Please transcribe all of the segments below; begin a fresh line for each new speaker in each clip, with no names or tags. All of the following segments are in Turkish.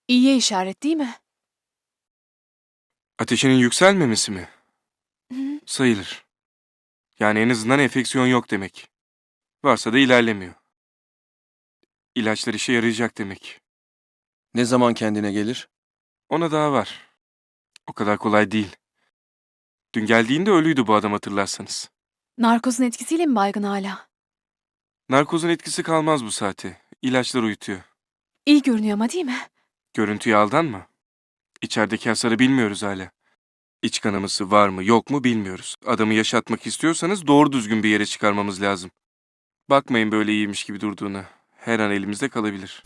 İyiye işaret değil mi?
Ateşinin yükselmemesi mi?
Hı.
Sayılır. Yani en azından enfeksiyon yok demek. Varsa da ilerlemiyor. İlaçlar işe yarayacak demek.
Ne zaman kendine gelir?
Ona daha var. O kadar kolay değil. Dün geldiğinde ölüydü bu adam hatırlarsanız.
Narkozun etkisiyle mi baygın hala?
Narkozun etkisi kalmaz bu saate. İlaçlar uyutuyor.
İyi görünüyor ama değil mi?
Görüntüye aldanma. İçerideki hasarı bilmiyoruz hala. İç kanaması var mı yok mu bilmiyoruz. Adamı yaşatmak istiyorsanız doğru düzgün bir yere çıkarmamız lazım. Bakmayın böyle iyiymiş gibi durduğuna. Her an elimizde kalabilir.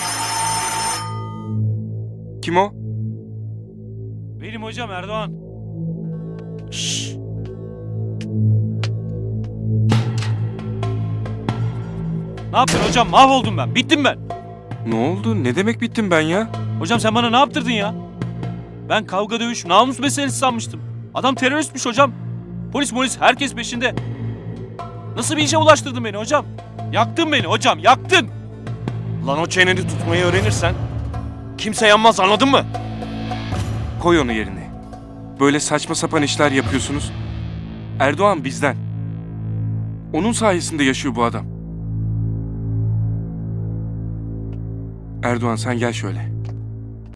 Kim o?
Benim hocam Erdoğan.
Şşş!
Ne yaptın hocam? Mahvoldum ben. Bittim ben.
Ne oldu? Ne demek bittim ben ya?
Hocam sen bana ne yaptırdın ya? Ben kavga dövüş, namus meselesi sanmıştım. Adam teröristmiş hocam. Polis herkes peşinde. Nasıl bir işe ulaştırdın beni hocam? Yaktın beni hocam, yaktın.
Lan o çeneni tutmayı öğrenirsen kimse yanmaz, anladın mı?
Koy onu yerine. Böyle saçma sapan işler yapıyorsunuz. Erdoğan bizden. Onun sayesinde yaşıyor bu adam. Erdoğan sen gel şöyle.